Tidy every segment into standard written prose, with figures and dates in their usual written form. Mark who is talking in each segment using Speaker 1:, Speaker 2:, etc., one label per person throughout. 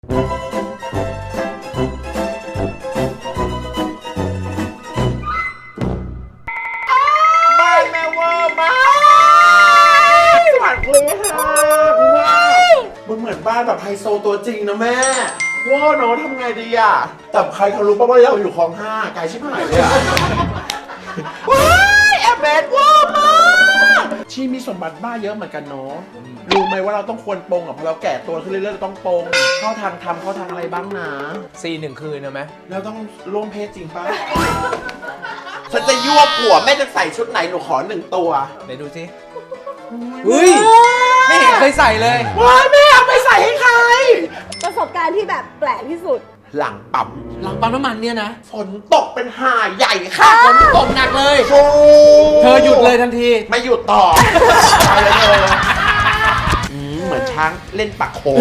Speaker 1: บ้านแม่เวอร์มากสวัสดีค่ะว้าวมันเหมือนบ้านแบบไฮโซตัวจริงนะแม่ว้าวเนาะทำไงดีอ่ะแต่ใครเขารู้ป่ะว่าเราอยู่คลอง5ไกลชิบหายเลยอ่ะว้ายแอบแบดว้าวมากชีมีสมบัติบ้าเยอะเหมือนกันเนาะรู้ไหมว่าเราต้องควรปรงอ่ะเพราะเราแก่ตัวขึ้นเรื่อยๆเราต้องปรงเข้าทางทำเข้าทางอะไรบ้างนะ
Speaker 2: 1 คืนนะไหม
Speaker 1: แล้วต้องร่วมเพศจริงป่ะ ฉันจะยั่วผัวแม่จะใส่ชุดไหนหนูขอ1 ตัว
Speaker 2: ไหนดูสิเฮ้ยไม่เห็นเคยใส่เลย
Speaker 1: ว้ายแม่เอาไปใส่ให้ใคร
Speaker 3: ประสบการณ์ที่แบบแปลกที่สุด
Speaker 1: หลังปั๊ม
Speaker 2: หลังปั๊มน้ำมันเนี่ยนะ
Speaker 1: ฝนตกเป็นห่าใหญ่ค่ะ
Speaker 2: ฝนตกหนักเลย
Speaker 1: โอ้
Speaker 2: เธอหยุดเลยทันที
Speaker 1: ไม่หยุดต่อไปเลยเธอเหมือนช้างเล่นปักโคน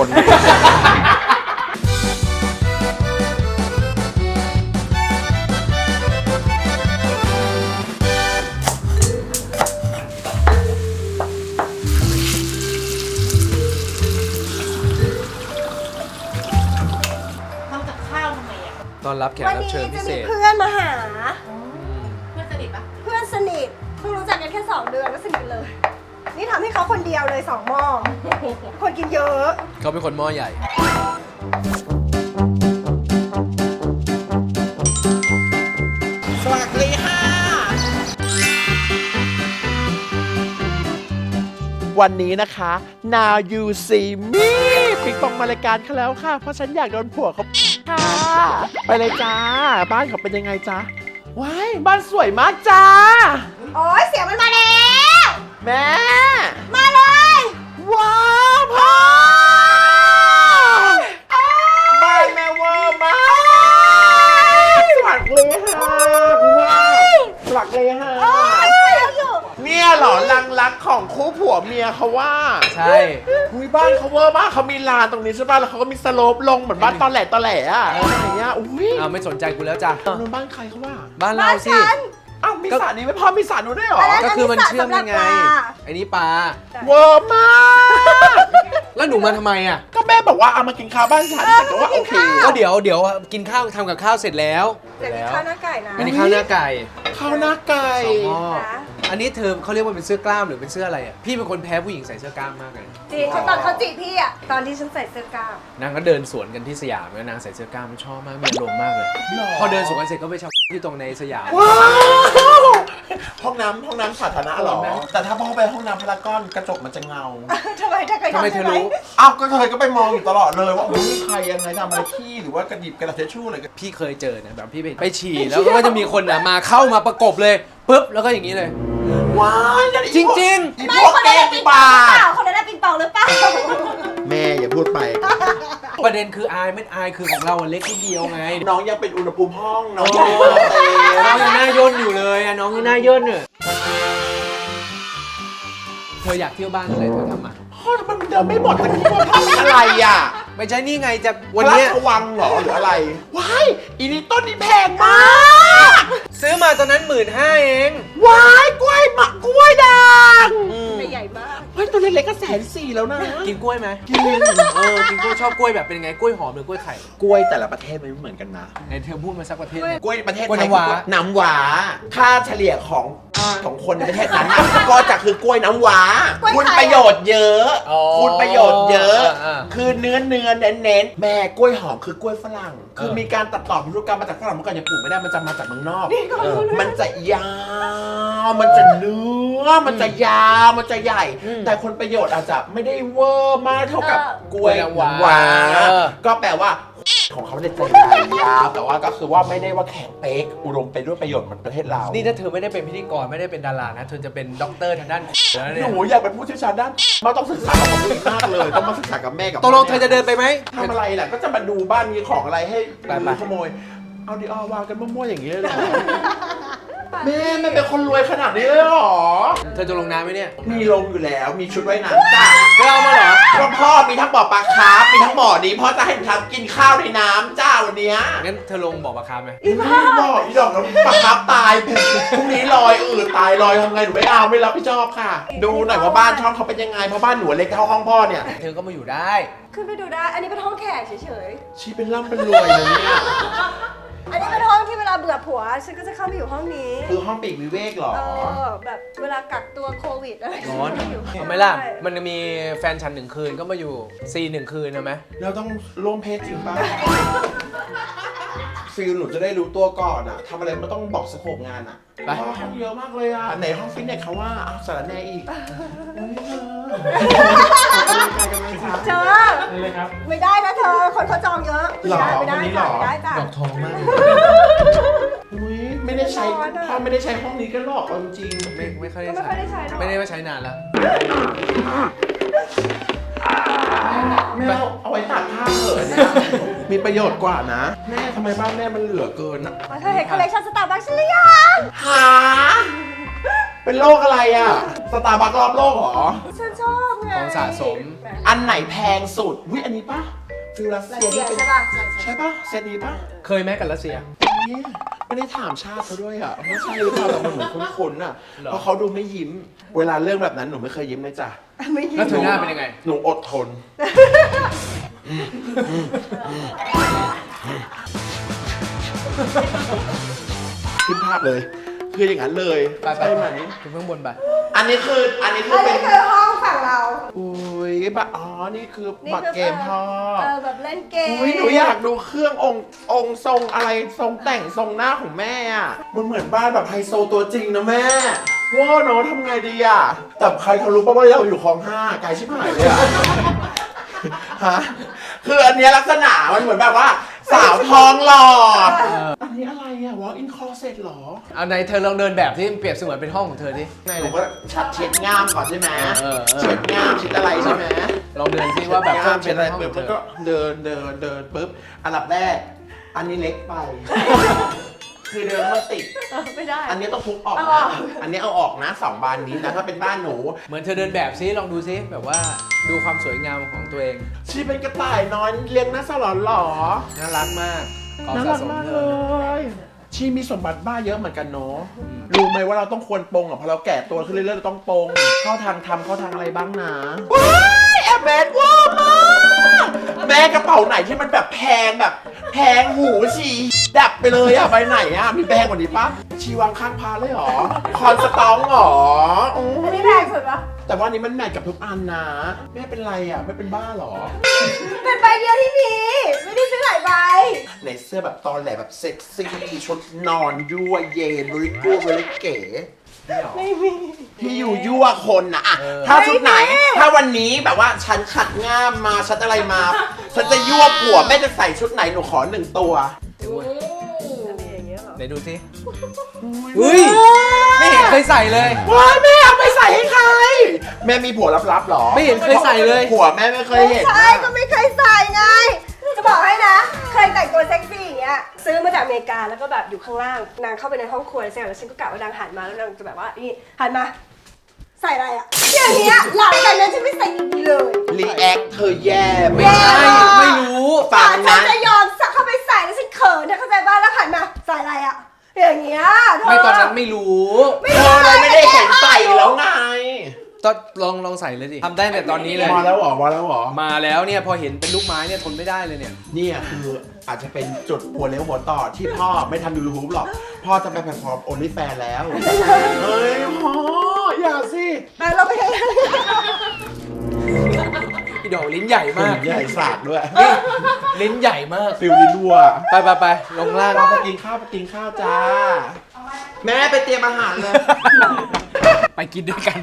Speaker 4: ทำกับข้าวทำไมอ่ะ
Speaker 2: ตอนรับแขก
Speaker 3: วัน
Speaker 2: รับ
Speaker 3: นี้
Speaker 2: เชิญพิ
Speaker 3: จะ
Speaker 2: เศ
Speaker 3: มี
Speaker 2: ษ
Speaker 3: เพื่อนมาหา
Speaker 4: เพื่อนสนิทปะ
Speaker 3: เพื่อนสนิทเพิ่งรู้จักกันแค่2 เดือนก็สนิทเลย นี่ทำให้เขาคนเดียวเลย2 หม้อ คนกินเยอะ
Speaker 2: เขาเป็นคนหม้อใหญ่
Speaker 1: สวัสดีค่ะ วันนี้นะคะ Now You See Me ปิงปองมารายการเขาแล้วค่ะ เพราะฉันอยากโดนผัวเขาค่ะ ไปเลยจ้า บ้านเขาเป็นยังไงจ๊ะ ว้าย บ้านสวยมากจ้า
Speaker 3: โอ้ยเสียงมันมาแล้ว
Speaker 1: แม่
Speaker 3: มาเลย
Speaker 1: ว้าวพ่อบ้านแม่เวอร์มากสวัสดีค่ะว้าวสวัสดีค่ะ
Speaker 3: โอ้ยเราอยู่
Speaker 1: เนี่ยเหรอลังรักของคู่ผัวเมียเขาว่า
Speaker 2: ใช่
Speaker 1: อุ้ยบ้านเขาเวอร์มากเขามีลานตรงนี้ใช่ป่ะแล้วเขาก็มีสโลปลงเหมือนบ้านตอนแหลอ่ะอะไรเงี้ยอุ้ย
Speaker 2: ไม่สนใจกูแล้วจ้ะ
Speaker 1: นู้นบ้านใครเขาว่า
Speaker 2: บ้าน
Speaker 3: บ้า
Speaker 2: เรา
Speaker 3: น
Speaker 2: สิ
Speaker 3: ฉัน
Speaker 1: อ้าวมีสระนี้ไม่พอมีสระนู้นด้วยเหรอ
Speaker 3: อันนั้น
Speaker 2: ก็คือมันเชื่อมยังไง
Speaker 3: สำหรับปลา
Speaker 2: ไอ้นี่ปลา
Speaker 1: เวอร์มาก
Speaker 2: แล้วหนูมาทำไมอ่ะ
Speaker 1: ก็แม่บอกว่าเอามากินข้าวบ้านฉันแต่ก็ว่าโอเค
Speaker 2: ก็เดี๋ยวกินข้าวทำกับข้าวเสร็จแล้ว
Speaker 3: แต่มีข้าวหน้าไก่นะ
Speaker 2: อันนี้ข้าวหน้าไก่
Speaker 1: ข้าวหน้าไก่
Speaker 2: 2 หม้อ
Speaker 3: นะ
Speaker 2: อันนี้เธอเขาเรียกว่าเป็นเสื้อกล้ามหรือเป็นเสื้ออะไรอ่ะ พี่เป็นคนแพ้ผู้หญิงใส่เสื้อกล้ามมากเลย
Speaker 3: จริงตอนเขาจีบพี่อะตอนที่ฉันใส่เสื้อกล้าม
Speaker 2: นางก็เดินสวนกันที่สยามแล้วนางใส่เสื้อกล้ามชอบมากมีอารมณ์มากเลย พอเดินสวนกันเสร็จก็ไปเช่าที่ตรงในสยาม
Speaker 1: ว้าวห้องน้ำสาธารณะเหรอ
Speaker 2: ห้องน้ำ
Speaker 1: แต่ถ้าพ่อไปห้องน้ำพารากอนกระจกมันจะเงา
Speaker 3: ทำไมถ้าเคย
Speaker 2: ทำไมเธอรู้
Speaker 1: อ้าวก็เคยก็ไปมองอยู่ตลอดเลยว่าอุ้ยมีใครยังไงทำอะไรขี้หรือว่ากระดิบกระดาษทิชชู่อะไรกัน
Speaker 2: พี่เคยเจอนะแบบพี่ไปฉี่แล้วก็จะมีคนน่ะมาเข้ามาประกบเลยปุ๊บแล้วก็อย่างนี้เลย
Speaker 1: ว้ายอย่า
Speaker 2: จริงๆ
Speaker 1: อี
Speaker 3: ไม่
Speaker 1: พวก
Speaker 3: คน
Speaker 1: แก
Speaker 3: นั้น
Speaker 1: ง
Speaker 3: ได้ปิงป
Speaker 1: ป
Speaker 3: อง
Speaker 1: ลา
Speaker 3: หรือเปล่าคนนั้นได้ปิงปองหรือเปล่า
Speaker 1: แม่อย่าพูดไป
Speaker 2: ประเด็นคืออายไม่อายคือของเราอะเล็กนิดเดียวไง
Speaker 1: น้องยังเป็นอุณหภูมิห้องน้อง
Speaker 2: โอ้
Speaker 1: ยังไม่มาเตะ
Speaker 2: น้องยังหน้าย่นอยู่เลยอะน้องยังหน้าย่นเนี่ยเธออยากเที่ยวบ้านอะไรเธอทำมา
Speaker 1: พ่อมันเดินไม่หมดตะกี้ว่าทำอะไรอ่ะ
Speaker 2: ไม่ใช่นี่ไงจะ
Speaker 1: วั
Speaker 2: วัน น
Speaker 1: นี้
Speaker 2: เนี้ย
Speaker 1: วังเหรอหรืออะไรว้ายอีนี่ต้นนี้แพงมาก
Speaker 2: ซื้อมาตอนนั้น15,000เอง
Speaker 1: ว้ายกล้วยหมักกล้วยด่าง
Speaker 3: ไม่ใหญ่มาก
Speaker 1: เฮ้ยตัวเล็กๆก็140,000แล้วนะ
Speaker 2: กินกล้วยไหม
Speaker 1: กิน
Speaker 2: กินกล้วยชอบกล้วยแบบเป็นไงกล้วยหอมหรือกล้วยไข่
Speaker 1: กล้วยแต่ละประเทศไม่เหมือนกันนะ
Speaker 2: ไหนเธอพูดมาสักประเทศหนึ่ง
Speaker 1: กล้วยประเทศ
Speaker 2: กล้วย
Speaker 1: ไทย
Speaker 2: น้ำว้า
Speaker 1: คือน้ำว้าค่าเฉลี่ยของคนในประเทศนั้นน่ะก็จะคือกล้วยน้ำว้าก
Speaker 3: ล้วยไทย
Speaker 1: คุณประโยชน์เยอะ
Speaker 2: อ๋อ
Speaker 1: คุณประโยชน์เยอะ
Speaker 2: อ่า
Speaker 1: คือเน้นแม่กล้วยหอมคือกล้วยฝรั่ง คือมีการตัดต่อพันธุกรรมมาจากฝรั่งเมื่อก่อนยังปลูกไม่ได้มันจะมาจากเมืองนอก มันจะยาว มันจะเนื้อ มันจะยาว มันจะใหญ่ แต่คนประโยชน์อาจจะไม่ได้เวอร์มากเท่ากับกล้วยน้ำว้าก็แปลว่าของเขาเนี่ยจะใหญ่ยาวแต่ว่าก็คือว่าไม่ได้ว่าแข็งเป๊กอุดมไปด้วยประโยชน์เหมือนประเทศเรา
Speaker 2: นี่ถ้าเธอไม่ได้เป็นพิธีกรไม่ได้เป็นดารานะเธอจะเป็นด็อกเตอร์ทางด้านแล้ว
Speaker 1: ห
Speaker 2: เนี่ย
Speaker 1: นูอยากเป็นผู้เชี่ยวชาญด้านเราต้องศึกษากับผมมากเลยต้องมาศึกษากับแม่กับ
Speaker 2: ตกลงเธอจะเดินไปไหม
Speaker 1: ทำอะไรล่ะก็จะมาดูบ้านมีของอะไรให้
Speaker 2: ไปๆ
Speaker 1: ดูขโมยเอาดิวางกันมั่วๆอย่างนี้เลยเหรอแม่ไม่เป็นคนรวยขนาดนี้เลยเหรอ
Speaker 2: เธอจะลงน้ำไหมเนี่ย
Speaker 1: มีลงอยู่แล้วมีชุดว่ายน้ำจ้ะ
Speaker 2: ไปเอามาเหรอ
Speaker 1: ก็พ่อมีทั้งบ่อปลาคาร์ฟมีทั้งบ่อนี้พ่อจะให้หนูทำกินข้าวในน้ำจ้าวันเนี้ย
Speaker 2: งั้นเธอลงบ่อปลาคาร์ฟไหม
Speaker 1: ไม่บอกอีดอกแล้วปลาคาร์ฟตายพรุ่งนี้ลอยตายลอยทำไงหนูไม่เอาไม่รับผิดชอบค่ะ ดูหน่อยว่าบ้านช่องเขาเป็นยังไงเพราะบ้านหนูเล็กเท่าห้องพ่อเนี่ย
Speaker 2: เธอก็มาอยู่ได้
Speaker 3: ขึ้นไปดูได้ อันนี้เป็นห้องแขกเฉย
Speaker 1: ชีเป็นร่ำเป็นรวยนะเนี่ย
Speaker 3: ๆ อันนี้เป็นห้องที่เวลาเบื่อผัว ฉันก็จะเข้าไปอยู่ห้องนี้
Speaker 1: คือห้องปีกวิเวกเหรอ
Speaker 3: แบบเวลากักตัวโควิดอะไร
Speaker 2: ร้อน
Speaker 3: ฉัก็อยู่
Speaker 2: ทำไมล่ะ มันจะมีแฟนฉัน1 คืนก็มาอยู่ซี1 คืนใช่ไหม
Speaker 1: เราต้องร่วมเพศจริงป่ะ ฟิลหนูจะได้รู้ตัวก่อนอะทำอะไรไม่ต้องบอกสโคปงานอะ
Speaker 2: ไป
Speaker 1: ห้องเยอะมากเลยอะไหนห้องฟิตเนสเขาว่าเอาสารแหน่อีกเฮ้ยเธอกำลังช้า
Speaker 3: เจอไม่ได้นะเธอ คนเขาจองเยอะ
Speaker 1: หรอ
Speaker 3: ไม่ได้
Speaker 1: วันนี้หร
Speaker 3: จ้ะ
Speaker 1: อ
Speaker 3: ไม่ได้จ้ะ
Speaker 2: ดอกทองมาก
Speaker 1: อุ้ยไม่ได้ใช้พ่อไม่ได้ใช้ห้องนี้กันหรอกเอาจริง
Speaker 2: ไม่ค่อย
Speaker 3: ก็ไม่ค่อยได้ใช้หรอก
Speaker 2: ไม่ได้มาใช้นานแล้ว
Speaker 1: แม่เอาไว้ตากผ้าเถอะเนี่ยมีประโยชน์กว่านะ แม่ทำไมบ้านแม่มันเหลือเกินอะ
Speaker 3: เธอเห็นคอลเลคชันสตาร์บัคฉันหรือยัง
Speaker 1: หาเป็นโรคอะไรอะสตาร์บัครอบโลกเหรอ
Speaker 3: ฉันชอบไง
Speaker 2: ของสะสม
Speaker 1: อันไหนแพงสุดวิอันนี้ปะฟิลรัส
Speaker 3: รัส
Speaker 1: เซีย
Speaker 3: เซีย
Speaker 1: ที่เป็น
Speaker 3: ใช่ป่ะ
Speaker 1: ใช่ปะเซตนี้ปะ
Speaker 2: เคยไหมกับรัสเซีย
Speaker 1: นี่ไม่ได้ถามชาติเขาด้วยอ่ะว่าใช่หรือเปล่าแต่มันเหมือนคุ้นๆอ่ะ
Speaker 2: หรอ
Speaker 1: เพราะเขาดูไม่ยิ้ม เวลาเรื่องแบบนั้นหนูไม่เคยยิ้มเลยจ้ะ
Speaker 3: ไม่ยิ้
Speaker 2: แล้ว
Speaker 3: ม
Speaker 2: เธอหน้าเป็นยังไง
Speaker 1: หนูอดทนขึ้นภาพเลย คืออย่างนั้นเลย
Speaker 2: ไป
Speaker 1: ใช่ไหม
Speaker 2: ถึงข้างบนไป
Speaker 1: อันนี้คือ
Speaker 3: อัน
Speaker 1: เป็
Speaker 3: นี้
Speaker 1: น
Speaker 3: คือห้องฝั่งเรา
Speaker 1: อุ้ยบัตรอ๋อ นี่คือ
Speaker 3: นี่
Speaker 1: บัตร
Speaker 3: คือ
Speaker 1: เกมพ่อ
Speaker 3: แบบเล่นเกม
Speaker 1: อุ้ยหนูอยากดูเครื่ององค์ทรงอะไรทรงแต่งทรงหน้าของแม่อ่ะ มันเหมือนบ้านแบบไฮโซตัวจริงนะแม่ว้าเนาะทำไงดีอ่ะ แต่ใครเขารู้ป่ะว่าเราอยู่คลอง 5ไกลชิบหายเลยอ่ะ ฮะ คืออันเนี้ยลักษณะมันเหมือนแบบว่า สาวทองหล่อ อันนี้อะไรอ่ะ walk in closet หรอ
Speaker 2: เอาไหนเธอลองเดินแบบที่เปรียบเสมือนเป็นห้องของเธอที่ไหน
Speaker 1: ห
Speaker 2: เล
Speaker 1: นู
Speaker 2: ย
Speaker 1: ก็ชัดเช็ดง่ามก่อนใช่ไหม
Speaker 2: เออ
Speaker 1: เช็ดง่ามเช็ดอะไรใช่ไหม
Speaker 2: ลองเดินซิว่าแบบ
Speaker 1: เช็ดง่ามเช็ดอะไร
Speaker 2: ห้อง
Speaker 1: ปุ๊บ
Speaker 2: ข
Speaker 1: แล้
Speaker 2: อง
Speaker 1: ว
Speaker 2: เธ
Speaker 1: ก็
Speaker 2: อ
Speaker 1: เดินปุ๊บ อันดับแรก อันนี้เล็กไป คือเดินมาติด
Speaker 3: ไม่ได้
Speaker 1: อันนี้ต้องทุบออก
Speaker 3: เอาอ
Speaker 1: นะ
Speaker 3: อก
Speaker 1: อันนี้เอาออกนะ2 บานนี้นะถ้าเป็นบ้านหนู
Speaker 2: เหมือนเธอเดินแบบซิลองดูซิแบบว่าดูความสวยงามของตัวเอง
Speaker 1: ชีเป็นกระต่ายน้อยเลี้ยงน่าสลอนหรอ
Speaker 2: น่ารักมากของ
Speaker 1: น่า
Speaker 2: สะ
Speaker 1: รัก
Speaker 2: สม
Speaker 1: มาก
Speaker 2: เธ
Speaker 1: เล
Speaker 2: อย
Speaker 1: ชีมีสมบัติบ้าเยอะเหมือนกันเนาะรู้ไหมว่าเราต้องควรปรงอ่ะพอเราแก่ตัวขึ้นเรื่อยๆเราต้องปรงเข้าทางทำเข้าทางอะไรบ้างนะว้ายแอบแบดว้ามากแม่กระเป๋าไหนที่มันแบบแพงแบบ แพงหูชีดับไปเลยอ่ะไปไหนอ่ะมีแพงกว่านี้ปะชีวางข้างพาเลยเหรอคอนสตองเหรออืม
Speaker 3: อันนี้แพงสุดปะ
Speaker 1: แต่ว่าอันนี้มันแมทกับทุกอันนะแม่เป็นไรอ่ะไม่เป็นบ้าเหรอ
Speaker 3: เป็นใบเดียวที่มี ไม่ได้ซื้อหลายใบ
Speaker 1: ในเสื้อแบบตอนแหลแบบเซ็กซี่ชุดนอนยั่วเย็นบริกูบริเก๋
Speaker 3: ไม่มี
Speaker 1: ที่อยู่ยั่วคนนะอะถ้าชุดไหน ถ้าวันนี้แบบว่าฉันขัดง่ามมาฉันอะไรมา ฉันจะยั่วผัวแม่จะใส่ชุดไหนหนูขอ1 ตัว
Speaker 2: ถือว่า
Speaker 3: อะไรอย่างเงี้ยเหรอ
Speaker 2: ไหนดูซิเฮ้ยไม่เห็นเคยใส่เลย
Speaker 1: ว้ายแม่เอาไปใส่ให้ใคร แม่มีผัวลับๆหรอ
Speaker 2: ไม่เห็นเคยใส่เลย
Speaker 1: ผัวแม่ไม่เคยเห็น
Speaker 3: ใช่
Speaker 1: นะ
Speaker 3: ก็ไม่เคยใส่ไง จะบอกให้นะ เคยแต่งตัวเซ็กซี่อย่างเงี้ย ซื้อมาจากอเมริกาแล้วก็แบบอยู่ข้างล่าง นางเข้าไปในห้องครัวแล้วเสร็จแล้วฉันก็กะว่านางหันมาแล้วนางจะแบบว่านี่หันมา ใส่อะไรอะอย่างเงี้ยหลังจากนั้นฉันไม่ใส่อีกเลย
Speaker 1: รีแอคเธอแย่
Speaker 2: ไม่
Speaker 1: ไม่
Speaker 2: ใช่
Speaker 1: ใช่
Speaker 2: ไม่รู้
Speaker 1: ฝาก
Speaker 3: ฉั
Speaker 1: นะ
Speaker 3: นจะยอมสักเข้าไปใส่แล้วฉันเขินนะเข้าใจบ้านแล้วหันมาใส่อะไรอะอย่างเงี้ยเธ
Speaker 2: ไม่ตอนนั้นไม่รู้
Speaker 1: เธอเลยไม่ได้เห็นใส่แล้วไง
Speaker 2: ตอนลองใส่เลยดิทำได้แต่ตอนนี้เลย
Speaker 1: มาแล้วเหรอมาแล้วเหรอ
Speaker 2: มาแล้วเนี่ยพอเห็นเป็นลูกไม้เนี่ยทนไม่ได้เลยเนี่ย
Speaker 1: เนี่ยคืออาจจะเป็นจุดหัวเลี้ยวหัวต่อที่พ่อไม่ทำยูทูบหรอก พ่อจะไปแพลตฟอร์มโอลิแฟนแล้ว เฮ้ยพ่ออย่าสิ
Speaker 3: ไปเราไปกัน
Speaker 2: อีดอกลิ้นใหญ่มาก
Speaker 1: ใหญ่สากด้วย
Speaker 2: นี่ลิ้นใหญ่มาก
Speaker 1: ฟิลลิลัว
Speaker 2: ไปลงล่าง
Speaker 1: ไปกินข้าวจ้า แม่ไปเตรียมอาหารเลย
Speaker 2: ไปกินด้วยกัน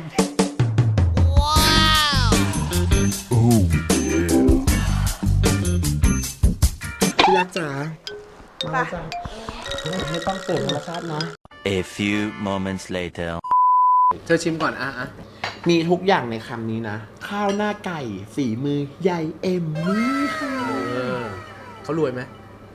Speaker 1: พี่รักจ๋ามาจ้าไม่ต้องเปิดโทรศัพท์เนาะ
Speaker 5: A few moments later.
Speaker 2: เธอชิมก่อนอ่ะ
Speaker 1: มีทุกอย่างในคำนี้นะ ข้าวหน้าไก่ฝีมือใหญ่เอ็มนี่ค่ะ
Speaker 2: เขารวยไหม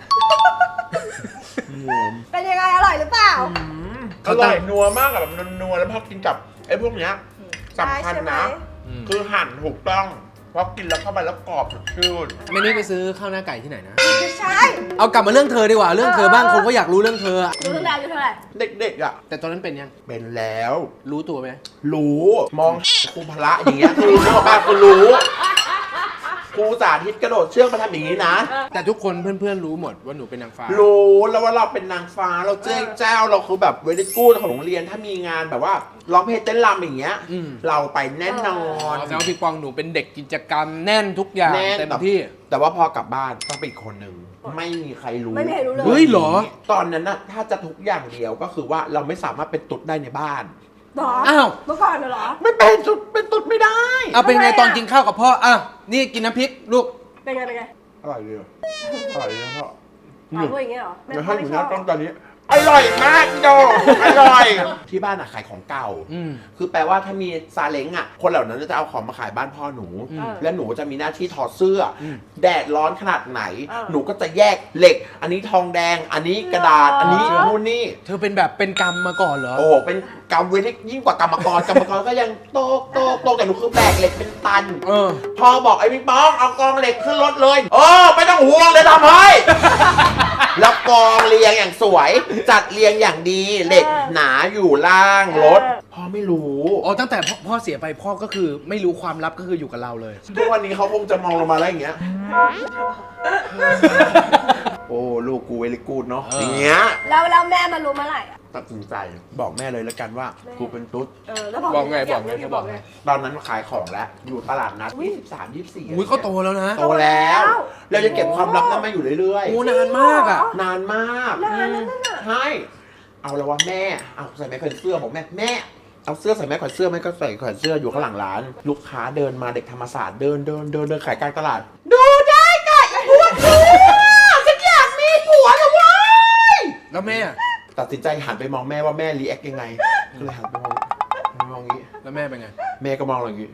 Speaker 3: เป็นยังไงอร่อยหรือเปล่า
Speaker 1: อร่อยนัวมากอะแบบนัวๆแล้วพอกินกับไอ้พวกเนี้ยสำคัญนะ คือหั่นถูกต้อง เพราะกินแล้วเข้าไปแล้วกรอบสดชื่น
Speaker 2: ไม่นี่ไปซื้อข้าวหน้าไก่ที่ไหนนะ
Speaker 3: ไม่ใช่
Speaker 2: เอากลับมาเรื่องเธอดีกว่า เรื่องเธอบ้างคนก็อยากรู้เรื่องเธออะ
Speaker 3: รู้เรื่องราวอยู่เท่าไหร่
Speaker 1: เด็กๆอ่ะ
Speaker 2: แต่ตอนนั้นเป็นยัง
Speaker 1: เป็นแล้ว
Speaker 2: รู้ตัวไหม
Speaker 1: รู้มองครูพละอย่างเงี้ยคือรู้ป่ะคือรู้ครูสาธิตกระโดดเชือกมาทำอย่างนี้นะ
Speaker 2: แต่ทุกคนเพื่อนๆรู้หมดว่าหนูเป็นนางฟ้า
Speaker 1: รู้แล้วว่าเราเป็นนางฟ้าเราเจ้าเจ้าเราคือแบบเวลิกูดของโรงเรียนถ้ามีงานแบบว่าร้องเพลงเต้นรำอย่างเงี้ย
Speaker 2: อืม
Speaker 1: เราไปแน่นอน
Speaker 2: แสดงว่าพี่ปองหนูเป็นเด็กกิจกรรมแน่นทุกอย่าง
Speaker 1: แน่น
Speaker 2: เต็มที่
Speaker 1: แต่ว่าพอกลับบ้านต้องเป็นอีกคนหนึ่งไม่มีใครรู้
Speaker 3: ไม่มีใครรู้เลย
Speaker 2: เฮ้ยเหรอ
Speaker 1: ตอนนั้นน่ะถ้าจะทุกอย่างเดียวก็คือว่าเราไม่สามารถเป็นตุ๊ดได้ในบ้าน
Speaker 3: หรอ
Speaker 2: อ้าว
Speaker 3: เมื่อก่อนน่ะเหรอ
Speaker 1: ไม่เป็นตุ๊ดเป็นตุ๊ดไม่ได้
Speaker 2: เอาเป็นไง
Speaker 3: ทำไมอะ
Speaker 2: ตอนกินข้าวกับพ่ออ่ะนี่กินน้ำพริกลูก
Speaker 3: เป็นไงเป็นไง
Speaker 1: อร่อยดีอร่อยดีนะพ่อ
Speaker 3: อ๋อพูดอย่างเงี้ยเหรอ
Speaker 1: แล้วถ้าอยู่ห
Speaker 3: ช
Speaker 1: น้า
Speaker 3: อบ
Speaker 1: กล้องตอนนี้อร่อยมากโดอร่อยที่บ้านอะขายของเก่า
Speaker 2: อืม
Speaker 1: คือแปลว่าถ้ามีซาเล้งอะคนเหล่านั้นจะเอาของมาขายบ้านพ่อหนู
Speaker 2: อืม
Speaker 1: และหนูจะมีหน้าที่ถอดเสื้ออ
Speaker 2: ม
Speaker 1: แดดร้อนขนาดไหน
Speaker 3: เออ
Speaker 1: หนูก็จะแยกเหล็ก อันนี้ทองแดง อันนี้กระดาษ
Speaker 3: หรออั
Speaker 1: อันนี้นู่นนี่
Speaker 2: เธอเป็นแบบเป็นกรรมมาก่อนเหรอ
Speaker 1: โอ้โหเป็นกรรมเวรยิ่งกว่ากรรมกร กรรมกรก็ยังโตแต่หนูคือแบกเหล็กเป็นตัน
Speaker 2: เออ
Speaker 1: พอบอกไอ้พี่ป้องเอากองเหล็กขึ้นรถเลยไม่ต้องห่วงเลยทำให้ แล้วกองเรียงอย่างสวย จัดเรียงอย่างดีเหล็กหนาอยู่ล่างรถพ่อไม่รู้
Speaker 2: อ๋อตั้งแต่พ่อเสียไปพ่อก็คือไม่รู้ความลับก็คืออยู่กับเราเลย
Speaker 1: ทุกวันนี้เขาคงจะมองลงมาแล้วอย่างเงี้ย โอ้ลูกกูเวลิกูดเนาะ
Speaker 2: เออ
Speaker 1: อ
Speaker 2: อ
Speaker 1: ย่างเงี้ย
Speaker 3: แล้วแม่มารู้เมื่อไหร่อะ
Speaker 1: ตัดสินใจบอกแม่เลยแล้วกันว่ากูเป็นตุ๊ด
Speaker 3: แล้ว
Speaker 2: บอกไงบอกไงเธอบอกไง
Speaker 1: ตอนนั้นขายของแล้วอยู่ตลาดนัด23 24
Speaker 2: อุ้ยเขาโตแล้วนะ
Speaker 1: โตแล้ว เรายังเก็บความลับนั้นมาอยู่เรื่อย
Speaker 2: โอ้นานมากอ่ะ
Speaker 1: ๆนานมาก
Speaker 3: นานนั้นน่ะ
Speaker 1: ใช่เอาแล้วว่าแม่เอาใส่แม่แขวนเสื้อบอกแม่เอาเสื้อใส่แม่แขวนเสื้อแม่ก็ใส่แขวนเสื้ออยู่ข้างหลังร้าน ลูกค้าเดินมาเด็กธรรมศาสตร์เดินขายกลางตลาด ดูได้ก่ะอีพวกเธอฉันอยากมีผัวนะเว้ย
Speaker 2: แล้วแม่อะ
Speaker 1: ตัดสินใจหันไปมองแม่ว่าแม่รีแอคยังไงก็เลยหันไปมองอย่างนี้
Speaker 2: แล้วแม่เป็นไง
Speaker 1: แม่ก็มองเราอย่างนี้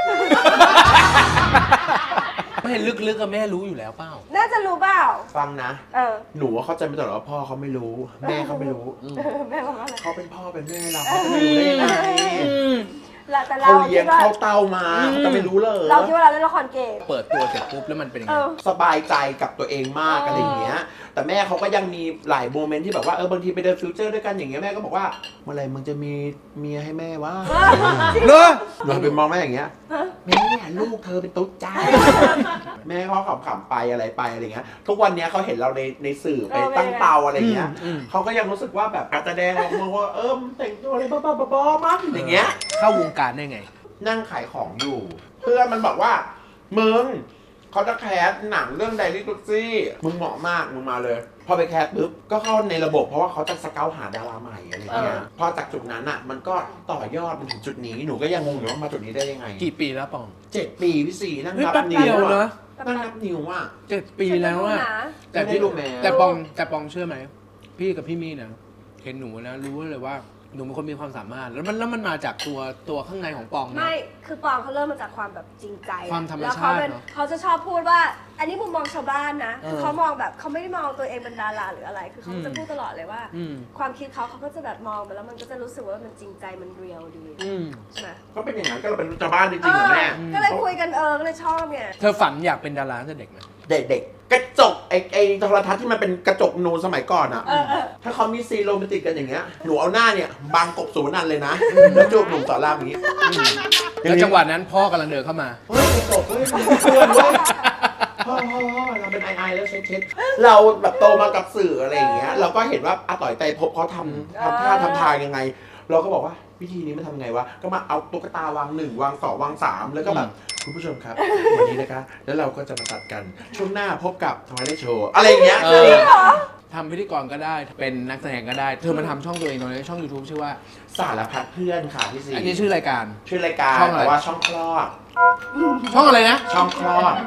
Speaker 2: ไม่ลึกๆกับแม่รู้อยู่แล้วเปล่า
Speaker 3: น่าจะรู้เปล่า
Speaker 1: ฟังนะ
Speaker 3: เออ
Speaker 1: หนูว่าเข้าใจมาตลอดว่าพ่อเขาไม่รู้ แม่เขาไม่รู้
Speaker 3: แม่บอกว่าอะไร
Speaker 1: เขาเป็นพ่อเป็นแม่เราเขาจะไม่รู้ได้ยังไง
Speaker 3: แต่เรา
Speaker 1: เขาเลี้ยง
Speaker 3: คิดว่า
Speaker 1: เข้าเต้ามาเขาจะไม่รู้เลย
Speaker 3: เราคิดว่าเราเล่นละครเกม
Speaker 2: เปิดตัวเสร็จปุ๊บแล้วมันเป็นยัง
Speaker 3: เอ
Speaker 2: ไง
Speaker 3: อ
Speaker 1: สบายใจกับตัวเองมากอะไรอย่างเงี้ย แต่แม่เขาก็ยังมีหลายโมเมนต์ที่แบบว่าบางทีไปเดินฟิวเจอร์ด้วยกันอย่างเงี้ยแม่ก็บอกว่าเมื่อไหรมึงจะมีเมียให้แม่วะ
Speaker 2: เนอะ
Speaker 1: หนูไปมองแม่อย่างเงี้ยแม่ลูกเธอเป็นตุ๊ดจ้า แม่เขาขำๆไปอะไรไปอะไรเงี้ยทุกวันเนี้ยเขาเห็นเราในสื่อไปตั้งเตาอะไรเงี้ย เขาก็ยังรู้สึกว่าแบบอาจจะแดงออกมาว่าแต่งตัวอะไรบ้าๆมั้งอย่างเงี้ย
Speaker 2: เข้าวงการได้ไง
Speaker 1: นั่งขายของอยู่ เพื่อนมันบอกว่ามึงเขาจะแคสหนังเรื่องไดรี่ตุ๊ซี่มึงเหมาะมากมึงมาเลย พอไปแคสปุ๊บก็เข้าในระบบเพราะว่าเขาจะสเกาหาดาราใหม่อะไรเงี้ยพอจากจุดนั้นอ่ะมันก็ต่อยอดมาถึงจุดนี้หนูก็ยังงงอยู่ว่ามาจุดนี้ได้ยังไง
Speaker 2: กี่ปีแล้วปอง
Speaker 1: 7 ปีพี่สี่นั่ง
Speaker 2: เฮ้ย
Speaker 1: นับ
Speaker 2: แป๊บ
Speaker 1: นิ้
Speaker 2: เดียว
Speaker 1: ว
Speaker 2: นะ
Speaker 1: อะนั่งนับนิ้วอ่ะ
Speaker 2: 7 ปีแล้วอะ แต่
Speaker 1: ไม่ได้รู้แม้
Speaker 2: แต่ปองเชื่อไหม พี่กับพี่มี่นะเห็นหนูนะรู้เลยว่าหนูเป็นคนมีความสามารถแล้วมันมาจากตัวข้างในของปองนะ
Speaker 3: ไม่ คือปองเขาเริ่มมาจากความแบบจริงใจ
Speaker 2: ความธรรม
Speaker 3: แล้ว
Speaker 2: ชาติ
Speaker 3: เขาเป็น
Speaker 2: เนอะ
Speaker 3: เขาจะชอบพูดว่า อันนี้มุมมองชาวบ้านนะ
Speaker 2: เออ
Speaker 3: คือเขามองแบบเขาไม่ได้มองตัวเองเป็นดาราหรืออะไร คือเขาจะพูดตลอดเลยว่า
Speaker 2: อืม
Speaker 3: ความคิดเขาก็จะแบบมองไปแล้วมันก็จะรู้สึกว่ามันจริงใจมันเรียลดี
Speaker 2: อืม
Speaker 3: ใช่ไหม
Speaker 1: ก็เป็นอย่างนั้นก็เราเป็นชาวบ้านจริงๆเหรอแม่
Speaker 3: ก็เลยคุยกันก็เลยชอบไง
Speaker 2: เธอฝันอยากเป็นดาราตั้งแต่เด็กไหม
Speaker 1: เด็กๆกระจกไอ้โทรทัศน์ที่มันเป็นกระจกนูนสมัยก่อนอ่ะ ถ้าเขามีซีนโรแมนติกกันอย่างเงี้ย หนูเอาหน้าเนี่ยบังกบสูนันเลยนะแล้วจูบหนุ่มสอนรามอย่างงี้
Speaker 2: แล้วจังหวะนั้นพ่อกำลังเดินเข้ามา
Speaker 1: เฮ้ยกระจกเฮ้ยมันเพื่อนเว้ยพ่อเราเป็นไอแล้วเช็ดเราแบบโตมากับสื่ออะไรอย่างเงี้ย เราก็เห็นว่าอาต่อยไตรภพเขาทำท่าทำทางยังไง เราก็บอกว่าวิธีนี้มันทำไงวะ ก็มาเอาตุ๊กตาวาง1วาง2วาง3แล้วก็แบบคุณผู้ชมครับ วันนี้นะคะ แล้วเราก็จะมาตัดกันช่วงหน้าพบกับทวายไลท์โชว์อะไรอย่างเงี้ย
Speaker 2: เออ ทำพิธีกรก็ได้ เป็นนักแสดงก็ได้ เธอมาทำช่องตัวเองตอนนี้ช่อง YouTube ชื่อว่า
Speaker 1: สารพัดเพื่อนค่ะพี่ซี
Speaker 2: อันนี้ชื่อรายการ
Speaker 1: ชื่อรายการ
Speaker 2: ช่องอะไร
Speaker 1: แต่ว่าช่องคลอด
Speaker 2: ช่องอะไรนะ
Speaker 1: ช่องคลอด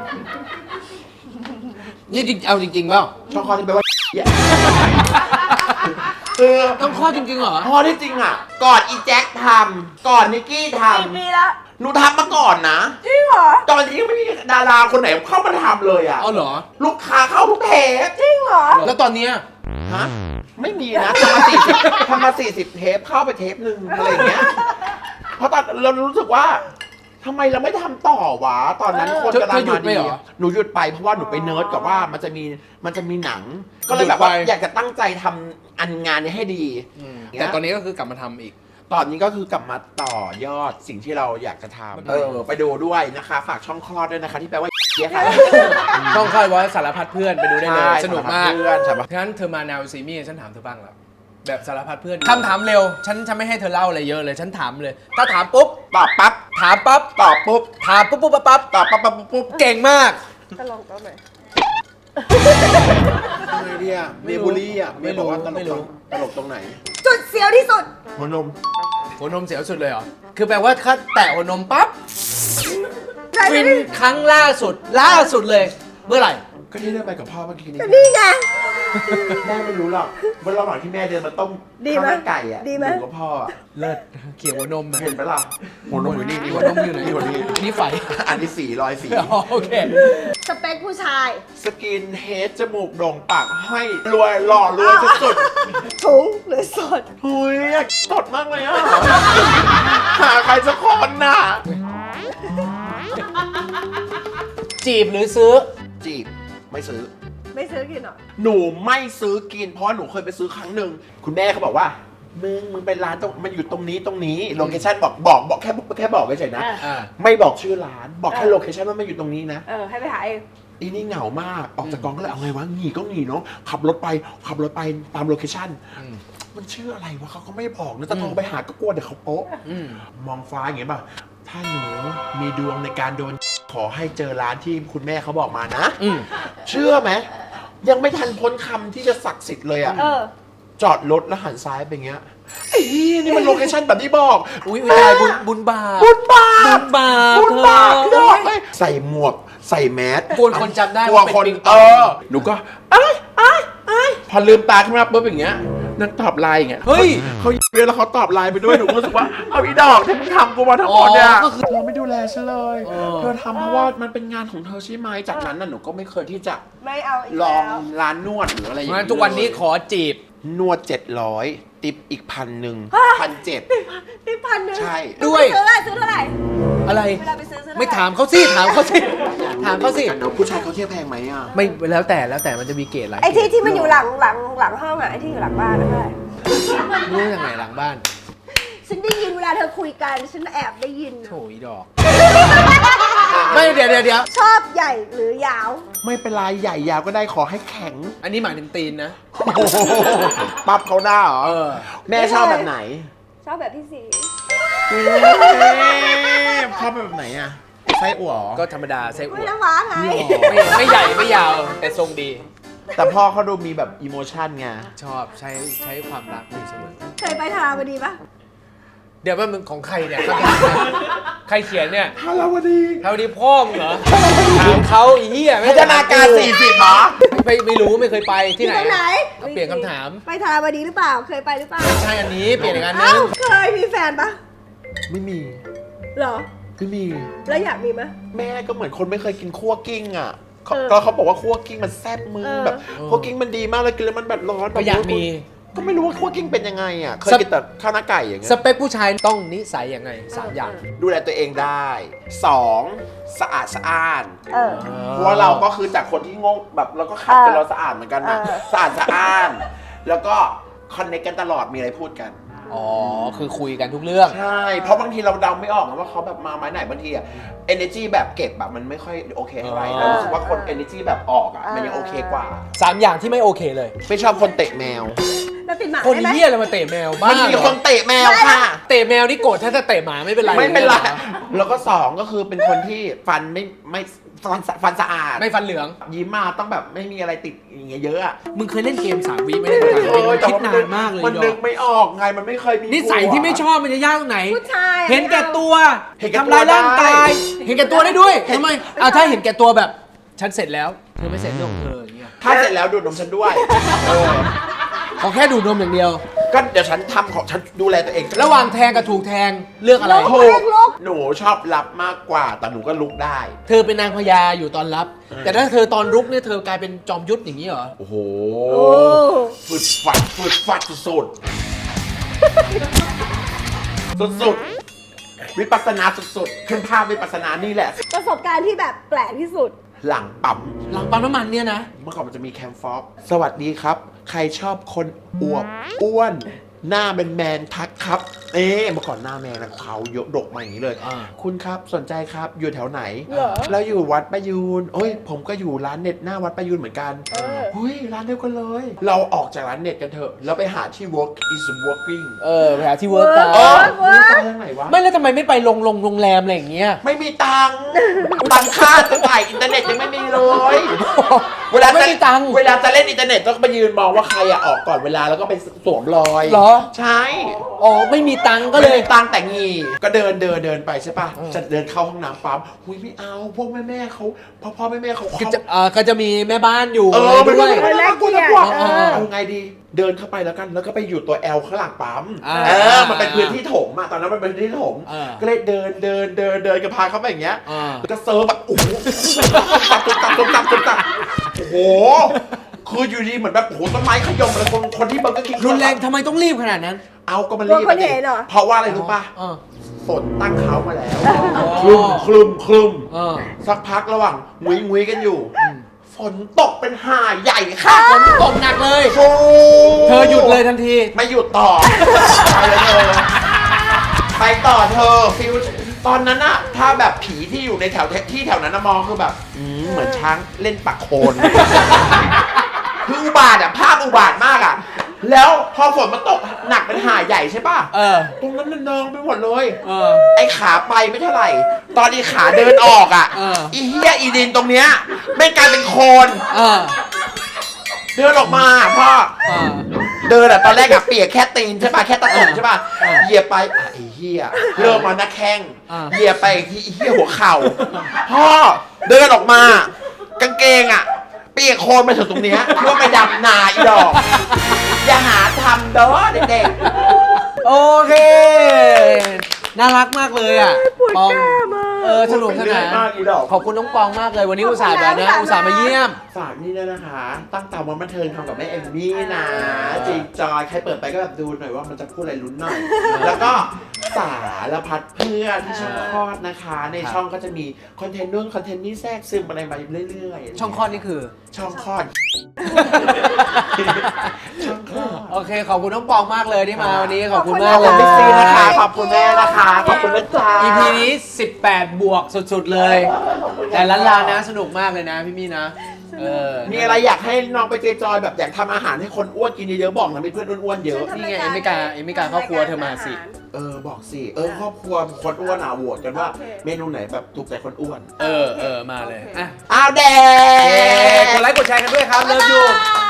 Speaker 2: นี่จริงเอาจริงๆเปล่า
Speaker 1: ช่องคลอดที่แปลว่าเหี้ยคือ
Speaker 2: ต้องข้อจริงๆเหรอ
Speaker 1: พอที่จริงอ่ะ ก่อนอีแจ็คทำก่อนนิกกี้ท
Speaker 3: กี่ปีแล้ว
Speaker 1: ำหนูทำมาก่อนนะ
Speaker 3: จริงเหรอ
Speaker 1: ตอนนี้ยังไม่มีดาราคนไหนเข้ามาทำเลยอ่ะ
Speaker 2: เอาเหรอ
Speaker 1: ลูกค้าเข้าทุกเทป
Speaker 3: จริงเหรอ
Speaker 2: แล้วตอนเนี้ย
Speaker 1: ฮะไม่มีนะทำมา40 เทปเข้าไปเทปหนึ่งอะไรอย่างเงี้ยเพราะตอนเรารู้สึกว่าทำไมเราไม่ทำต่อวะตอนนั้นคนกำลัง
Speaker 2: เธอหยุ
Speaker 1: มา
Speaker 2: ดไป
Speaker 1: ดี
Speaker 2: เหรอ
Speaker 1: หนูหยุดไปเพราะว่าหนูไปเนิร์ดกับว่ามันจะมีหนัง ก็เลยแบบว่า
Speaker 2: หยุดไป
Speaker 1: อยากจะตั้งใจทำอันงานนี้ให้ดี
Speaker 2: แต่ตอนนี้ก็คือกลับมาทำอีก
Speaker 1: ตอนนี้ก็คือกลับมาต่อยอดสิ่งที่เราอยากจะทำไปดูด้วยนะคะ ฝากช่องคลอดด้วยนะคะที่แปลว่าเหี้ยค่ะ
Speaker 2: ช่องค่ายไว้สารพัดเพื่อนไปดูได้เลย
Speaker 1: ใช่
Speaker 2: สนุกมาก
Speaker 1: สารพัดเพื่อนสารพัด
Speaker 2: งั้นเธอมาแนวซีมี่ฉันถามเธอบ้างแล้วแบบสารพัดเพื่อนคำถามเร็วฉันไม่ให้เธอเล่าอะไรเยอะเลยฉันถามเลย ถ้าถามปุ๊บ
Speaker 1: ตอบปั๊บ
Speaker 2: ถามปั๊บ
Speaker 1: ตอบปุ๊บ
Speaker 2: ถามปุ๊บปุ๊บปั๊บปั๊บ
Speaker 1: ตอบปั๊บปั๊บปุ๊บ
Speaker 2: เก่งมาก
Speaker 3: ก็ลองตัวไหน
Speaker 1: ทำไงดีอ่ะเมย์บุรีอ่ะเมย์บอกว่าตลกตรงไหน
Speaker 3: จุดเสียวที่สุด
Speaker 1: หัวนม
Speaker 2: หัวนมเสียวสุดเลยเหรอคือแปลว่าถ้าแตะหัวนมปั๊บ
Speaker 3: ใช่
Speaker 2: ฟิน
Speaker 3: ไหม
Speaker 2: ครั้งล่าสุดเลย เมื่อไหร่
Speaker 1: ก็ที่ได้ไปกับพ่อเมื่อกี้นี้
Speaker 3: ก็นี่ไง
Speaker 1: แม่ไม่รู้หรอกว่าระหว่างที่แม่เดินมาต้ม
Speaker 3: ดีไหม
Speaker 1: ข้าวมันไก่อ่ะ
Speaker 3: ดีไหม
Speaker 1: อยู่กับพ่ออะ
Speaker 2: เลิศเขี่ยหัวนมอะ
Speaker 1: เห็นไหมล่ะหัวนมอยู่นี่
Speaker 2: หัวนมอยู่ไหน
Speaker 1: หัวนม
Speaker 2: อันนี้ไฟ
Speaker 1: อันนี้สีรอยสี
Speaker 2: อ๋อโอเค
Speaker 3: สเปคผู้ชาย
Speaker 1: สกินเฮดจมูกโด่งปากให้รวยหล่อรวยสุด
Speaker 3: ถุงหรือสด
Speaker 1: ๆหุยอยากสดมากเลยอ่ะ หาใครสักคนน่ะ
Speaker 2: จีบหรือซื้อ
Speaker 1: จีบไม่ซื้อ
Speaker 3: ไม่ซื้อกินหรอ
Speaker 1: หนูไม่ซื้อกินเพราะว่าหนูเคยไปซื้อครั้งหนึ่งคุณแม่เขาบอกว่ามึงเป็นร้านตรงมันอยู่ตรงนี้โลเคชั่นบอกแค่บอกเฉยๆนะ
Speaker 2: อ่า
Speaker 1: ไม่บอกชื่อร้านบอกแค่โลเคชั่นว่ามันอยู่ตรงนี้นะ
Speaker 3: ให้ไปหาเอง
Speaker 1: อีนี่เหงามากออกจากกองก็เลยเอาไงวะหนีก็หนีเนาะขับรถไปตามโลเคชั่น
Speaker 2: อืม
Speaker 1: มันชื่ออะไรวะเขาก็ไม่บอกนะจะโทรไปหาก็กลัวเดี๋ยวเขาโป๊ะ
Speaker 2: อืม
Speaker 1: มองฟ้าอย่างเงี้ยป่ะถ้าหนูมีดวงในการโดนขอให้เจอร้านที่คุณแม่เขาบอกมานะ
Speaker 2: อืม
Speaker 1: เชื่อไหมยังไม่ทันพ้นคำที่จะศักดิ์สิทธิ์เลยอะ จอดรถแล้วหันซ้ายไปอย่างเงี้ยไอ้เหี้ยนี่มันโลเคชั่นแบบที่บอก
Speaker 2: อุ้ยเวลาบุญบาป
Speaker 1: บุญบา
Speaker 2: บุ
Speaker 1: ป
Speaker 2: ญบาป
Speaker 1: บุญบาป
Speaker 2: เธ
Speaker 1: พี่
Speaker 2: อ
Speaker 1: ดอกเอ้ยใส่หมวกใส่แมส
Speaker 2: กลัวคนจำได้
Speaker 1: กลัว
Speaker 2: ว่าเป็น
Speaker 1: คน
Speaker 2: ปิงปอง
Speaker 1: หนูก็ไอ้พอลืมตาขึ้นมาปุ๊บอย่างเงี้ยนั่งตอบไลน์อย่างเงี้ย
Speaker 2: เฮ้ย
Speaker 1: เขาเวลาเขาตอบไลน์ไปด้วยหนูก็รู้สึกว่าเอาอีดอกที่มึงทำกูมาทั้งหมดเนี่ย
Speaker 2: อ๋อก็คือ
Speaker 1: เธอไม่ดูแลฉันเลย
Speaker 2: เออ
Speaker 1: เธอทำเพราะว่ามันเป็นงานของเธอใช่ไหมจากนั้นน่ะหนูก็ไม่เคยที่จะ
Speaker 3: ไม่เอาอีก
Speaker 1: ลอ
Speaker 3: แล้
Speaker 1: ง
Speaker 3: ว
Speaker 1: ร้านนวดหรืออะไรอย่าง
Speaker 2: งั้
Speaker 1: เงี้
Speaker 2: น
Speaker 1: ย
Speaker 2: ทุกวันนี้ขอจีบ
Speaker 1: นวด700ติปอีก1,000 1,700
Speaker 3: นี่พันหนึ่ง
Speaker 1: ใช่
Speaker 2: ด้วย
Speaker 3: ซื้อเท่าไหร่
Speaker 2: อะไร
Speaker 3: เวลาไปซื้อเท่าไหร่
Speaker 2: ไม่ถามเขาสิถามเขาสิถามเขาสิ
Speaker 1: กันเนอะผู้ชายเขาเที่ยวแพงไหมอ่ะ
Speaker 2: ไม่แล้วแต่มันจะมีเกรดหลาย
Speaker 3: ไอ้
Speaker 2: เกรด
Speaker 3: ที่มันอยู่หลังห้องอ่ะไอ้ที่อยู่หลังบ้านนะเท่าไหร่
Speaker 2: รู้ยังไงหลังบ้าน
Speaker 3: ฉันได้ยินเวลาเธอคุยกันฉันแอบได้ยิน
Speaker 2: โถอีดอก ไม่เดี๋ยว
Speaker 3: ชอบใหญ่หรือยาว
Speaker 1: ไม่เป็นไรใหญ่ยาวก็ได้ขอให้แข็ง
Speaker 2: อันนี้หมายถึงตีนนะ
Speaker 1: ปั๊บเขาหน้าเหรอ
Speaker 2: เออ
Speaker 1: แม่ชอบแบบไหน
Speaker 3: ชอบแบบพี่สี
Speaker 1: ชอบแบบไหนอ่ะไส้อั่วเหรอ
Speaker 2: ก็ธรรมดาไส้อั่
Speaker 3: ไม่
Speaker 2: ว
Speaker 3: น้ำหวานไง
Speaker 2: ไม่ใหญ่ไม่ยาว แต่ทรงดี
Speaker 1: แต่พ่อเขาดูมีแบบอิโมชันไง
Speaker 2: ชอบใช้ความรักอยู่เสมอ
Speaker 3: เคยไปทาบดีปะ
Speaker 2: เดี๋ยวว่ามึงของใครเนี่ยคำถามเนี่ยใครเขียนเนี่ย
Speaker 1: ฮาราวดี
Speaker 2: เท่านี้พ่อมึงเหรอถามเขาไอ้เหี้ย
Speaker 1: พัฒนาการ40หรอ
Speaker 2: ไม่รู้ไม่เคยไปที่ไหน
Speaker 3: ตรงไหน
Speaker 2: ก็เปลี่ยนคำถาม
Speaker 3: ไปทาบดีหรือเปล่า เคยไปหรือเปล่า
Speaker 2: ใช่อันนี้เปลี่ยนอีกอันนึ
Speaker 3: เอ้าง เคยมีแฟนปะ
Speaker 1: ไม่มี
Speaker 3: เหรอ
Speaker 1: ไม่มี
Speaker 3: แล้วอยากมีไหม
Speaker 1: แม่ก็เหมือนคนไม่เคยกินคั่วกิ้งอ่ะเขา
Speaker 3: เออ
Speaker 1: ก็เขาบอกว่าคั่วกิ้งมันแซ่บมือ
Speaker 3: เออ
Speaker 1: แบบคั่วกิ้งมันดีมากเลยกินแล้วมันแบบร้อน
Speaker 2: ก็อยากมี
Speaker 1: ก็ไม่รู้ว่าคั่วกิ้งเป็นยังไงอ่ะเคยกินแต่ข้าวหน้าไก่อย่างเงี้
Speaker 2: ส
Speaker 1: ย
Speaker 2: เปคผู้ชายต้องนิสัยยังไง3อย่าง
Speaker 1: ดูแลตัวเองได้2สะอาดสะอ้าน
Speaker 3: เออ
Speaker 1: เพราะว่าเราก็คือจากคนที่งงแบบเราก็ขัดกันเราสะอาดเหมือนกันนะ
Speaker 3: เออ
Speaker 1: สะอาดสะอ้าน แล้วก็คอนเนคกันตลอดมีอะไรพูดกัน
Speaker 2: อ๋อคือคุยกันทุกเรื่อง
Speaker 1: ใช่ เพราะบางทีเราเดาไม่ออกนะว่าเขาแบบมาไม้ไหนบางทีอะ energy แบบเก็บแบบมันไม่ค่อยโอเคเท่าไหร่
Speaker 2: อ๋อ
Speaker 1: เรารู้สึกว่าคน energy แบบออกอะมันยังโอเคกว่า
Speaker 2: 3 อย่างที่ไม่โอเคเลย
Speaker 1: ไม่ชอบคนเตะแมว
Speaker 3: แล้วติดหมา
Speaker 2: คน
Speaker 3: ได้ไหม
Speaker 2: เหี้ยอะไรมาเตะแมวบ้า
Speaker 1: มันมี
Speaker 2: เหรอ
Speaker 1: คนเตะแมวค่ะ
Speaker 2: เตะแมวนี่โกรธถ้าจะเตะหมาไม่เป็นไร
Speaker 1: ไม่เป็นไร
Speaker 2: หอ
Speaker 1: แล้วก็2ก็คือเป็นคนที่ฟันไม่ฟันสะอาด
Speaker 2: ไม่ฟันเหลือง
Speaker 1: ยิ้มมาต้องแบบไม่มีอะไรติดอย่างเงี้ยเยอะอะ
Speaker 2: มึงเคยเล่นเกม3 วิไม่ได้ถามจริงมึงคิดนานมากเลย
Speaker 1: มัน
Speaker 2: ด
Speaker 1: นึ
Speaker 2: อก
Speaker 1: กไม่ออกไงมันไม่เคยมี
Speaker 2: นิสัยที่ไม่ชอบมันจะยากตรงไหน
Speaker 3: ผู้ชายอะ
Speaker 2: เห็นแก่ตัว
Speaker 1: เห็นแก่ตัว
Speaker 2: ทำร้ายร่างกาย
Speaker 1: ได้
Speaker 2: เห็นแก่ตัวได้ด้วยทำไมถ้าเห็นแก่ตัวแบบฉันเสร็จแล้วเธอไม่เสร็จเรื่องของเธออย่างเงี้ย
Speaker 1: ถ้าเสร็จแล้วดูดนมฉันด้วยเออ
Speaker 2: ขอแค่ดูดนมอย่างเดียว
Speaker 1: ก็เดี๋ยวฉันทำของฉันดูแลตัวเอง
Speaker 2: ระหว่างแทงกับถูกแทงเลือกอะไร
Speaker 1: ถูกหนูชอบรับมากกว่าแต่หนูก็ลุกได้
Speaker 2: เธอเป็นนางพญาอยู่ตอนรับ แต่ถ้าเธอตอนรุกเนี่ยเธอกลายเป็นจอมยุทธอย่างนี้เหรอ
Speaker 1: โอ้โห
Speaker 3: โอ้
Speaker 1: ฝึดฟัดสุดๆสุดๆวิปัสสนาสุดๆขึ้นภาพวิปัสสนานี่แหละ
Speaker 3: ประสบการณ์ที่แบบแปลกที่สุด
Speaker 1: หลังปั๊ม
Speaker 2: หลังปั๊มน้ำมันเนี่ยนะ
Speaker 1: เมื่อก่อนมันจะมีแคมฟอกสวัสดีครับ ใครชอบคนอวบอ้วนหน้าแมนๆทักครับเมื่อก่อนหน้าแมนนะเขายกดกมาอย่างนี้เลย คุณครับสนใจครับอยู่แถวไหน
Speaker 3: เหรอ
Speaker 1: แล้วอยู่วัดประยูนโอ้ยผมก็อยู่ร้านเน็ตหน้าวัดประยูนเหมือนกันเฮ้ยร้านเดียวกันเลย เราออกจากร้านเน็ตกันเถอะแล้วไปหาที่ work is working
Speaker 2: ไปหาที่เวิร์กกัน
Speaker 1: นี่ตายทางไหนวะ
Speaker 2: ไม่แล้วทำไมไม่ไปโรงแรมอะไรอย่างเงี้ย
Speaker 1: ไม่มีตังค์ค่าจะจ่ายอินเทอร์เน็ตยังไม่มีเลย เวลา
Speaker 2: ไม่
Speaker 1: จะ
Speaker 2: มีตังค์
Speaker 1: เวลาจะเล่นอินเทอร์เน็ตต้องไปยืนมองว่าใครออกก่อนเวลาแล้วก็ไปสวมรอย
Speaker 2: เหรอ
Speaker 1: ใช่
Speaker 2: อ๋อไม่มีตังค์ก็
Speaker 1: ก็
Speaker 2: เล
Speaker 1: เลย ยตังค์แต่งีก็เดินไปใช่ป่ะจะเดินเข้าห้องน้ำปั๊มหุยไม่เอาพวกแม่เขาพ่อแม่เขา
Speaker 2: ก็จะมีแม่บ้านอยู่
Speaker 1: ไม่
Speaker 2: ด้วย
Speaker 1: ไม่
Speaker 3: แลกเกียรติ
Speaker 1: เอาไงดี เดินเข้าไปแล้วกันแล้วก็ไปอยู่ตัว L ข้างหลังปั๊ม มันเป็นพื้นที่ถมอะตอนนั้นมันเป็นพื้นที่ถมก็เลยเดินก็พาเข้าไปอย่างเงี้ยแล้วก็เซิร์ฟแบบโอ้โหตุ๊บตับโอ้โหคืออยู่ดีเหมือนแบบโอ้โหต้นไม้ขยมเลยคนที่เบอร์เกอร์คิง
Speaker 2: รุนแรงทำไมต้องรีบขนาดนั้น
Speaker 1: เอาก็มันรีบ
Speaker 3: กลัวคนเห็นเหรอ
Speaker 1: เพราะว่าอะไรรู้ป่ะ ฝนตั้งเขามาแล้วคลึมสักพักระหว่างงุยกันอยู่ ฝนตกเป็นห่าใหญ่ค่ะ
Speaker 2: ฝนตกหนักเลย
Speaker 1: โอ้
Speaker 2: เธอหยุดเลยทันที
Speaker 1: ไม่หยุดต่อ ไปเลยเธอไปต่อเธอฟิลตอนนั้นอะถ้าแบบผีที่อยู่ในแถวนั้นนะมองคือแบบเหมือนช้างเล่นปักโคนคืออุบาทอะภาพอุบาทมากอะแล้วพอฝนมันตกหนักเป็นห่าใหญ่ใช่ป่ะตรงนั้นมันนองไปหมดเลยไอ้ขาไปไม่เท่าไหร่ ตอนอีขาเดินออกอะอีเหี้ยอีดินตรงเนี้ยไม่กลายเป็นโคนเดินออกมาพ่อเดินอะตอนแรกอะเปียกแค่ตีนใช่ป่ะแค่ตะตุ่มใช่ป่ะเหยียบไปไอ้เหี้ยเริ่มมาหน้าแข้งเหยียบไปอีกทีไอ้เหี้ยหัวเข่าพ่อเดินออกมากางเกงอะเปียกโคลนมาถึงตรงเนี้ยเพื่อไปดำนาอีดอกอย่าหาทำเด้อเด็ก
Speaker 2: โอเค น่ารักมากเลยอ่ะปอง
Speaker 1: ๆ
Speaker 2: สนุกสนาน
Speaker 1: มากอีดอก
Speaker 2: ขอบคุณน้องปองมากเลยวันนี้อุตส่าห์แบบนะอุตส่าห์มาเยี่ยม
Speaker 1: ฝากนี่ด้วยนะคะ ตั้งตามวันบันเทิงทำกับแม่เอมมี่นะจริงจอยใครเปิดไปก็แบบดูหน่อยว่ามันจะพูดอะไรลุ้นหน่อย แล้วก็สารพัดเพื่อนที่ช่องคลอดนะคะ ในช่องก็จะมีคอนเทนต์นู่นคอนเทนต์นี่แทรกซึมอะไรมาเรื่อยๆ
Speaker 2: ช่องคลอดนี่คือ
Speaker 1: ช่องคลอด ช่องคลอด
Speaker 2: โอเค ขอบคุณน้องปองมากเลยที่มาวันนี้ขอบคุณ
Speaker 1: ข
Speaker 2: มา
Speaker 1: อก บ
Speaker 2: เล
Speaker 1: คุณ
Speaker 2: ย
Speaker 1: พี่ซีนะคะ ขอบคุณแม่นะคะ ขอบคุณนะจ๊ะ
Speaker 2: EP นี้ 18 บวกสุดๆเลย แต่ล้านลานะสนุกมากเลยนะพี่มี่นะ
Speaker 1: มีอะไรอยากให้น้องไปจอยแบบอยากทำอาหารให้คนอ้วนกินเยอะๆบอกนะมีเพื่อนอ้วนๆเยอะ
Speaker 2: นี่ไงเอมิกาครอบครัวเธอมาสิ
Speaker 1: บอกสิครอบครัวคนอ้วนโหวตกันว่าเมนูไหนแบบถูกใจคนอ้วน
Speaker 2: มาเลยอ่ะ
Speaker 1: อ้าวแด
Speaker 2: กดไลค์กดแชร์กันด้วยครับเลิฟยู